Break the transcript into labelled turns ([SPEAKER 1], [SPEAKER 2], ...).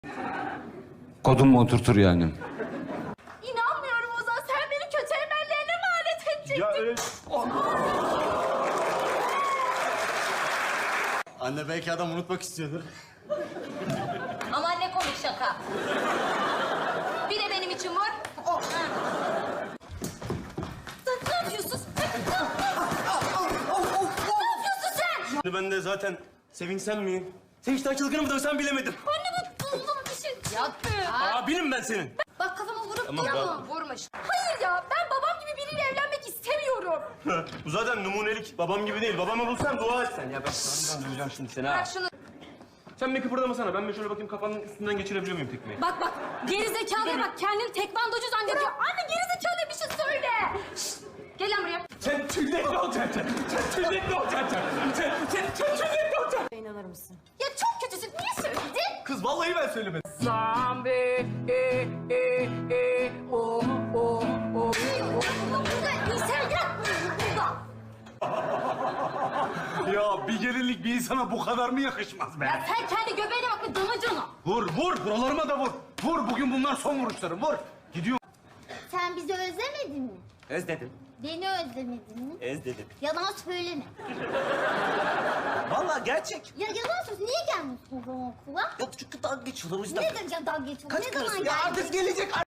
[SPEAKER 1] Kodum mu oturtur yani?
[SPEAKER 2] İnanmıyorum Ozan. Sen beni kötü emellerine mi alet edecektin?
[SPEAKER 3] Ya öyle... Anne belki adam unutmak istiyordur.
[SPEAKER 2] Aman ne komik şaka. Bir de benim için vur. Oh. Ne yapıyorsun? Ne yapıyorsun sen?
[SPEAKER 3] Şimdi ben de zaten sevinsem miyim? Sevinçten çılgını mı dövsem bilemedim.
[SPEAKER 2] Anne bu buldum bir şey. Ya.
[SPEAKER 3] Abinim ben senin.
[SPEAKER 2] Bak kafama vurup
[SPEAKER 3] Tamam,
[SPEAKER 2] tamam, vurmuş. Hayır ya ben babam gibi biriyle evlenmek istemiyorum.
[SPEAKER 3] Bu zaten numunelik. Babam gibi değil. Babamı bulsan dua et sen. Ya ben döveceğim şimdi seni ha.
[SPEAKER 2] Bak şunu.
[SPEAKER 3] Sen bir kıpırdamasana. Ben bir şöyle bakayım kafanın üstünden geçirebiliyor muyum tekmeyi?
[SPEAKER 2] Bak gerizekalıya bak kendini tekvandocu zannediyor. Anne gerizekalıya bir şey söyle. Şşt, gel lan buraya.
[SPEAKER 3] Sen tüylekli olacaksın. Sen tüylekli olacaksın. Sen tüylekli olacaksın.
[SPEAKER 2] İnanır mısın? Ya çok kötüsün. Niye söyledin?
[SPEAKER 3] Kız vallahi ben söylemedim.
[SPEAKER 2] Zambi, o. Burada insan yok. Burada.
[SPEAKER 4] Ya bir gelinlik bir insana bu kadar mı yakışmaz be?
[SPEAKER 2] Ya sen kendi göbeğine bak bir damacana.
[SPEAKER 4] Vur, vur. Buralarıma da vur. Vur, bugün bunlar son vuruşlarım. Vur. Gidiyor.
[SPEAKER 5] Sen bizi özlemedin mi?
[SPEAKER 3] Özledim.
[SPEAKER 5] Beni özlemedin mi?
[SPEAKER 3] Özledim.
[SPEAKER 5] Yalan söyleme.
[SPEAKER 3] Vallahi gerçek.
[SPEAKER 5] Ya yalan söylüyorsun. Niye gelmiyorsun o zaman okula?
[SPEAKER 3] Yok çünkü dalga geçiyorlar o yüzden.
[SPEAKER 5] Ne diyeceğim dalga geçiyorsun?
[SPEAKER 3] Kaç
[SPEAKER 5] Ne zaman
[SPEAKER 3] karısı? Ya
[SPEAKER 5] geldin?
[SPEAKER 3] artık gelecek.